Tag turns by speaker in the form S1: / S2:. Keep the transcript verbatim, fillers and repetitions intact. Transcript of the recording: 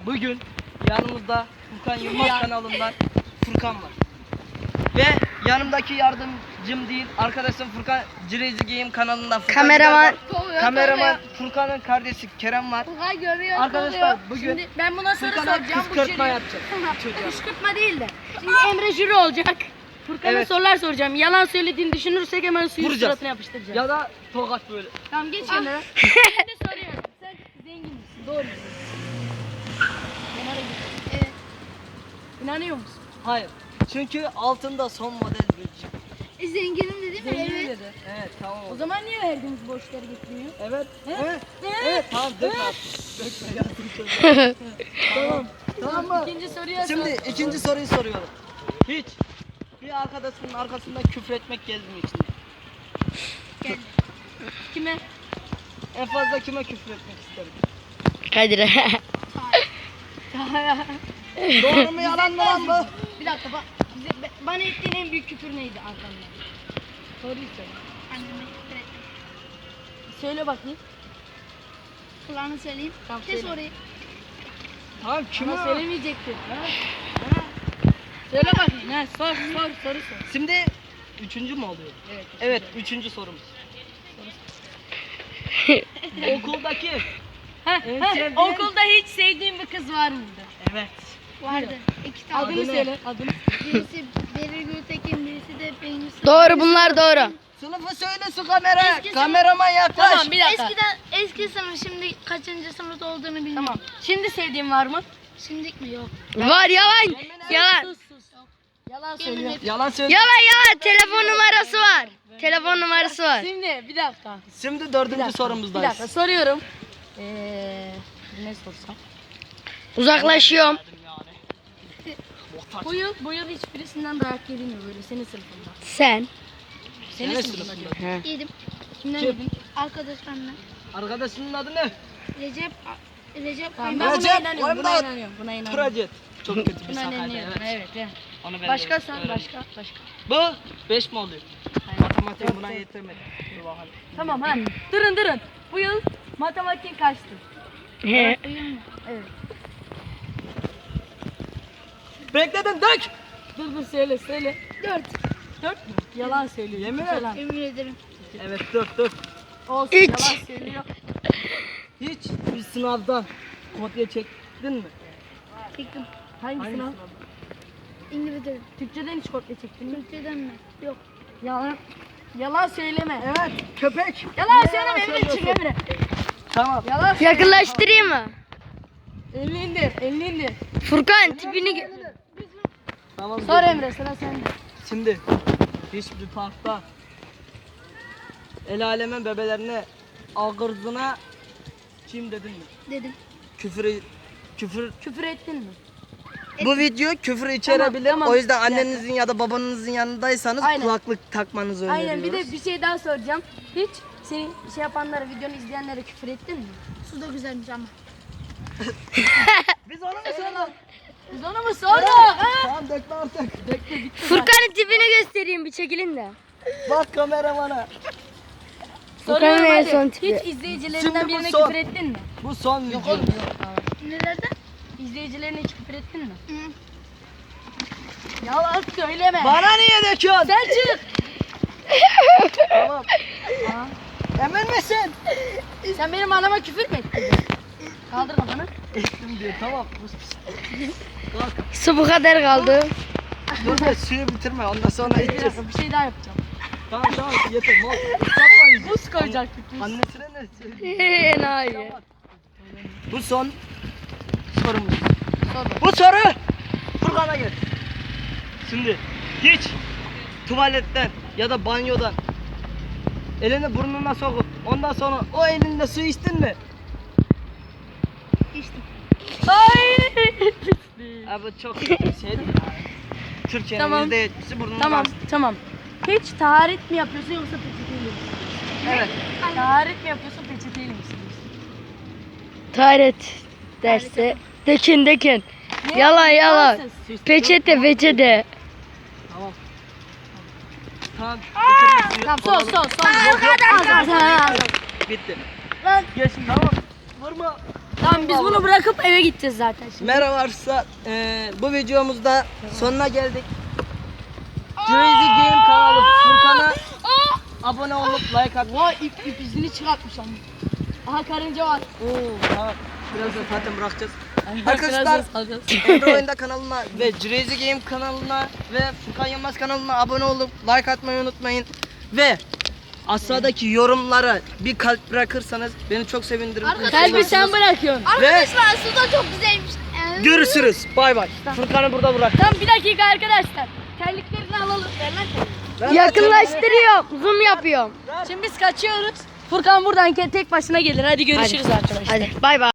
S1: bugün yanımızda Furkan Yılmaz kanalından Furkan var. Ve yanımdaki yardımcım değil, arkadaşım Furkan Crazy Game kanalından Furkan
S2: Kameraman.
S1: Gider var. Kameraman Furkan'ın kardeşi Kerem var.
S3: Furkan görüyor.
S1: Arkadaşlar bugün
S3: Şimdi ben buna soru
S1: Furkan'a
S3: soracağım. Bu
S1: kışkırtma
S3: jüri-
S1: yapacak. Çocuğa.
S3: Kışkırtma değil de. Şimdi Emre jüri olacak. Furkan'a
S1: Evet.
S3: sorular soracağım. Yalan söylediğini düşünürsek hemen suyun
S1: Vuracağız.
S3: suratına yapıştıracağız.
S1: Ya da tokat böyle.
S3: Tamam geç Emre. Şimdi soruyorum. Sen zengin misin? Doğru musun? Evet. İnanıyor musun?
S1: Hayır. Çünkü altında son model bir cip.
S3: E, zenginim dedi mi?
S1: Zengin
S3: Evet.
S1: dedi. Evet tamam.
S3: O zaman niye verdiğimiz borçları getirmiyor?
S1: Evet.
S3: He?
S1: Evet.
S3: He?
S1: Evet tamam dökme. Dökme ya. Tamam. Tamam mı?
S3: İkinci soruya
S1: Şimdi
S3: sor.
S1: ikinci soruyu soruyorum. Hiç bir arkadaşının arkasından küfür etmek geldi mi içinde?
S3: Gel. Kime?
S1: En fazla kime küfür etmek isterim?
S2: Kadir'e.
S1: Doğru mu yalan mı lan bu?
S3: Bir dakika bak. Bize, be- bana ettiğin en büyük küfür neydi arkamdan? Soruyu söyle.
S4: Anneme küfür ettim.
S3: Söyle bakayım.
S4: Kulağını söyleyeyim.
S3: Tamam,
S4: Kes
S3: söyle.
S4: orayı.
S1: Tamam kime?
S3: Ama söylemeyecektin. Ha? Ha? Söyle bakayım. Ha, sor sor soru sor.
S1: Şimdi üçüncü mü oluyor?
S3: Evet.
S1: Evet üçüncü sorumuz. Okuldaki.
S3: Ha,
S1: En
S3: ha,
S1: sevdiğin-
S3: okulda hiç sevdiğin bir kız var mıydı?
S1: Evet.
S4: Vardı. İki tane.
S3: Adını
S1: ne?
S3: söyle. Adını.
S4: Birisi Beril Gültekin, birisi de Peynir Sıvı.
S2: Doğru, bunlar doğru.
S1: Sınıfı söyle su kamera.
S4: Eski
S1: Kameraman yaklaş.
S3: Tamam bir dakika.
S4: Eskiden eski sınıf, şimdi kaçıncı sınıfta olduğunu bilmiyorum.
S3: Tamam. Şimdi sevdiğin var mı?
S4: Şimdilik mi? Yok.
S2: Var, yalan. Yalan.
S3: Sus sus. Yalan
S4: Yemin
S3: söylüyor.
S4: ederim.
S1: Yalan söyle.
S2: Yalan yalan. Telefon numarası var. Telefon numarası var.
S3: Şimdi bir dakika.
S1: Şimdi
S3: Bir
S1: dördüncü
S3: dakika. Bir
S1: sorumuzdayız.
S3: dakika soruyorum. Ee, ne sorsam?
S2: Uzaklaşıyorum.
S3: Bu yıl, bu yıl hiçbirisinden dayak yedin mi böyle senin sınıfında?
S2: Sen.
S3: Senin
S1: Senin
S3: sınıfında
S1: sınıfında.
S3: diyorum.
S2: He.
S4: Yedim.
S3: Kimden
S1: Kim?
S3: yedin?
S4: Arkadaşlarımla.
S1: Arkadaşının adı ne?
S4: Recep. Recep
S3: Tamam,
S4: Kaymak.
S3: ben buna
S1: Recep,
S3: inanıyorum, buna
S1: Oyunda-
S3: inanıyorum, buna inanıyorum.
S1: Trajet. Çok kötü bir
S3: Buna
S1: sakaydı.
S3: inanıyorum,
S1: Evet.
S3: evet. evet.
S1: Onu ben
S3: Başka
S1: de
S3: sen,
S1: öğrendim.
S3: başka, başka.
S1: Bu beş mi oluyor?
S3: Hayır.
S1: Matematik buna yetirmedi. Dur bakalım.
S3: Tamam ha, durun durun. Bu yıl matematik kaçtı?
S2: He.
S3: Evet.
S1: Bekledin dök.
S3: Dur dur söyle, söyle.
S4: Dört.
S3: Dört mü? Yalan söylüyor.
S1: Yemin
S3: ciddi
S1: et.
S3: falan.
S4: Emin ederim.
S1: Evet dök dök.
S3: Olsun,
S2: Üç.
S3: yalan söylüyor.
S1: Hiç bir sınavdan kopya çektin mi?
S4: Çektim.
S3: Hangi,
S1: Hangi
S3: sınav?
S1: sınavdan?
S4: İngilizce.
S3: Türkçeden hiç kopya çektin mi?
S4: Türkçeden mi? Yok.
S3: Yalan. Yalan söyleme.
S1: Evet köpek.
S3: Yalan
S1: Niye
S3: söyleme Emre, çık
S1: söylüyorsun?
S3: Emre.
S1: Tamam.
S3: Yalan söyleme.
S2: Yakınlaştırayım mı?
S3: Elini indir, elini indir.
S2: Furkan tipini gö-
S1: Tamam.
S3: Sor
S1: dur.
S3: Emre, sıra sende.
S1: Şimdi hiçbir parkta el alemin bebelerine ağırdına kim dedin mi?
S4: Dedim.
S1: Küfür küfür
S3: Küfür ettin mi?
S1: bu video küfür içerebilir.
S3: tamam.
S1: O yüzden
S3: Bir dakika.
S1: annenizin ya da babanızın yanındaysanız
S3: Aynen.
S1: kulaklık takmanızı öneriyoruz.
S3: Aynen, bir de bir şey daha soracağım. Hiç senin şey yapanlara, videonu izleyenlere küfür ettin mi?
S4: Su da güzelmiş ama.
S1: Biz onu mu sorduk?
S3: Biz onu mu sorduk? Ha?
S1: Tamam dökme artık.
S3: Bekle bitti.
S2: Furkan'ın tipini göstereyim, bir çekilin de.
S1: Bak kameramana.
S3: Soruyorum
S2: Furkan'ın en
S3: hadi.
S2: son tipi.
S3: Hiç izleyicilerinden
S1: Şimdi bu
S3: birine
S1: son.
S3: küfür ettin mi?
S1: Bu son
S3: Yok
S1: video.
S3: oğlum yok. Tamam.
S4: Nerede?
S3: İzleyicilerine hiç küfür ettin mi?
S4: Hı.
S3: Yalan söyleme.
S1: Bana niye döküyorsun?
S3: Sen çık.
S1: Tamam.
S3: Aa,
S1: Emin misin?
S3: sen benim anama küfür mü ettin? Kaldır kafanı.
S1: Ettim diyor. Tamam. Bak.
S2: Su bu kadar kaldı.
S1: Dur be suyu bitirme. Ondan sonra
S3: Bir
S1: içeceğiz.
S3: dakika, bir şey daha yapacağım.
S1: Tamam tamam yeter. Mol. Islatma yüzü.
S3: Buz koyacaktık biz.
S1: Annesine ne söyleyeyim?
S2: Enayi.
S1: Bu son sorumuz.
S3: Sor bak.
S1: Bu soru Furkan'a gel. Şimdi hiç tuvaletten ya da banyodan elini burnuna sokup ondan sonra o elinde su içtin mi?
S4: İçtim.
S3: Ay.
S1: Abi çok kötü bir şey değil. Türkiye'nin
S3: Tamam.
S1: yüzde yetmişi burnundan.
S3: Tamam, tamam. Hiç taharet mi yapıyorsun yoksa peçeteyle mi?
S1: Evet.
S3: Taharet mi yapıyorsun peçeteyle mi siliyorsun?
S2: Taharet derse. Dökün dökün.
S3: Ne?
S2: Yalan yalan.
S3: İmansız.
S2: Peçete peçete.
S1: Tamam. Tamam. bitirme suyu.
S3: Tamam, son son son.
S1: Yok, yok.
S3: Az, az, az.
S1: Bitti.
S3: Lan
S1: Geç tamam. Vurma.
S3: Tamam biz bunu bırakıp eve gideceğiz zaten şimdi.
S1: Merhaba arkadaşlar. Ee, bu videomuzda sonuna geldik. Crazy Game kanalı Furkan'a abone olup like at.
S3: Vay ip, ip izini çıkartmış ama. Aha karınca var.
S1: Oo, tamam. Birazdan zaten bırakacağız. Arkadaşlar Emre Oyunda kanalına ve Crazy Game kanalına ve Furkan Yılmaz kanalına abone olup like atmayı unutmayın. Ve aşağıdaki yorumlara bir kalp bırakırsanız beni çok sevindirirsiniz.
S3: Kalbi sen bırakıyorsun.
S2: Arkadaşlar su da çok güzelmiş.
S1: Görüşürüz. Bay bay. Furkan'ı burada bırak.
S3: Tamam bir dakika arkadaşlar. Terliklerini alalım. Ver lan terliği.
S2: Yakınlaştırıyorum. Zoom yapıyorum.
S3: Şimdi biz kaçıyoruz. Furkan buradan tek başına gelir. Hadi görüşürüz arkadaşlar.
S2: Hadi bay bay.